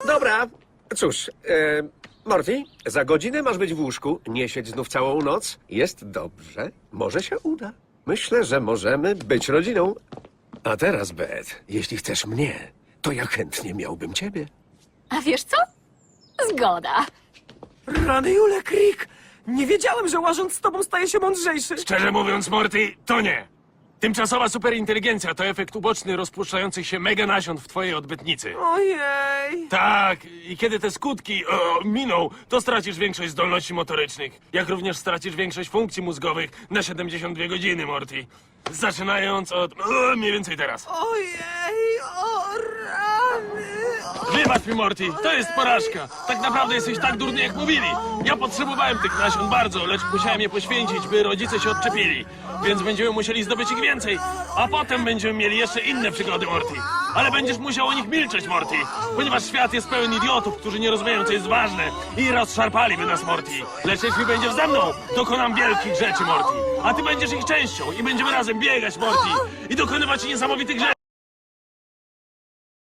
Dobra, cóż, Morty, za godzinę masz być w łóżku, nie siedź znów całą noc. Jest dobrze, może się uda. Myślę, że możemy być rodziną. A teraz, Beth, jeśli chcesz mnie, to ja chętnie miałbym ciebie. A wiesz co? Zgoda. Rany Jule, Crick! Nie wiedziałem, że łażąc z tobą staje się mądrzejszy. Szczerze mówiąc, Morty, to nie. Tymczasowa superinteligencja to efekt uboczny rozpuszczających się mega nasion w twojej odbytnicy. Ojej. Tak, i kiedy te skutki miną, to stracisz większość zdolności motorycznych, jak również stracisz większość funkcji mózgowych na 72 godziny, Morty. Zaczynając od mniej więcej teraz. Ojej, o rany. Wybacz mi, Morty, to jest porażka. Tak naprawdę jesteś tak durny, jak mówili. Ja potrzebowałem tych nasion bardzo, lecz musiałem je poświęcić, by rodzice się odczepili. Więc będziemy musieli zdobyć ich więcej, a potem będziemy mieli jeszcze inne przygody, Morty. Ale będziesz musiał o nich milczeć, Morty, ponieważ świat jest pełen idiotów, którzy nie rozumieją, co jest ważne i rozszarpaliby nas, Morty. Lecz jeśli będziesz ze mną, dokonam wielkich rzeczy, Morty. A ty będziesz ich częścią i będziemy razem biegać, Morty, i dokonywać niesamowitych rzeczy.